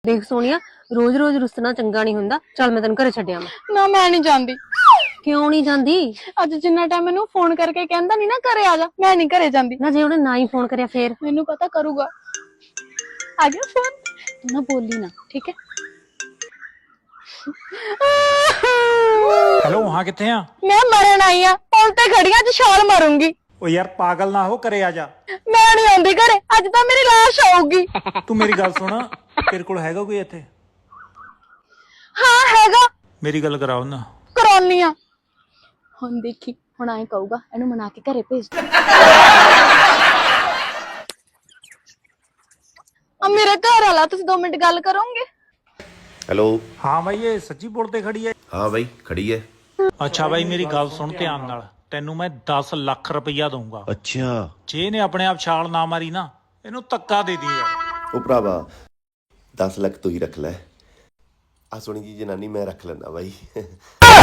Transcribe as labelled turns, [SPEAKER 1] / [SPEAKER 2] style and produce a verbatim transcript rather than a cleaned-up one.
[SPEAKER 1] देख सोनिया रोज रोज रुसना चंगा नहीं हुंदा। चल मैं तेन घरे छड्डिया
[SPEAKER 2] ना मैं नहीं जांदी।
[SPEAKER 1] क्यों नहीं जांदी?
[SPEAKER 2] अज जिन्ना टाइम मैनू फोन करके कहंदा नहीं ना घरे आ जा, मैं नहीं घरे जांदी।
[SPEAKER 1] ना जे उन्हें ना ही फोन करया फिर
[SPEAKER 2] मैनू पता करूगा। आ गया फोन, तू ना बोली ना, ठीक है?
[SPEAKER 3] हेलो वहां किथे आ?
[SPEAKER 2] मैं मरन आई हां, पुल ते खड़ी हां, अज छाल मारूंगी।
[SPEAKER 3] ओ यार पागल ना हो, घरे आ जा।
[SPEAKER 2] मैं नहीं आंदी घरे, अज तां मेरी लाश आऊगी।
[SPEAKER 3] तू मेरी गल सुन, तेरे कोल हैगा कोई इत्थे?
[SPEAKER 2] हाँ हैगा।
[SPEAKER 3] मेरी गल कराओ ना।
[SPEAKER 2] कराउनी आ। हुण देखी, हुण आए कहूगा इहनू मना के घरे भेज दे। अब मेरे घर वाला तुम दो मिनट गल करोगे?
[SPEAKER 4] हेलो।
[SPEAKER 3] हाँ भाई ये सच्ची पुल ते खड़ी है?
[SPEAKER 4] हाँ भाई खड़ी है।
[SPEAKER 3] अच्छा भाई मेरी गल सुन ध्यान नाल, तेनू मैं दस लाख रुपया दूंगा।
[SPEAKER 4] अच्छा
[SPEAKER 3] जे ने अपने आप छाल ना मारी ना, इनू धक्का दे दी यार।
[SPEAKER 4] ओ भरावा दस लाख तू ही रख लै, आ सोनी जी जनानी मैं रख लेना भाई।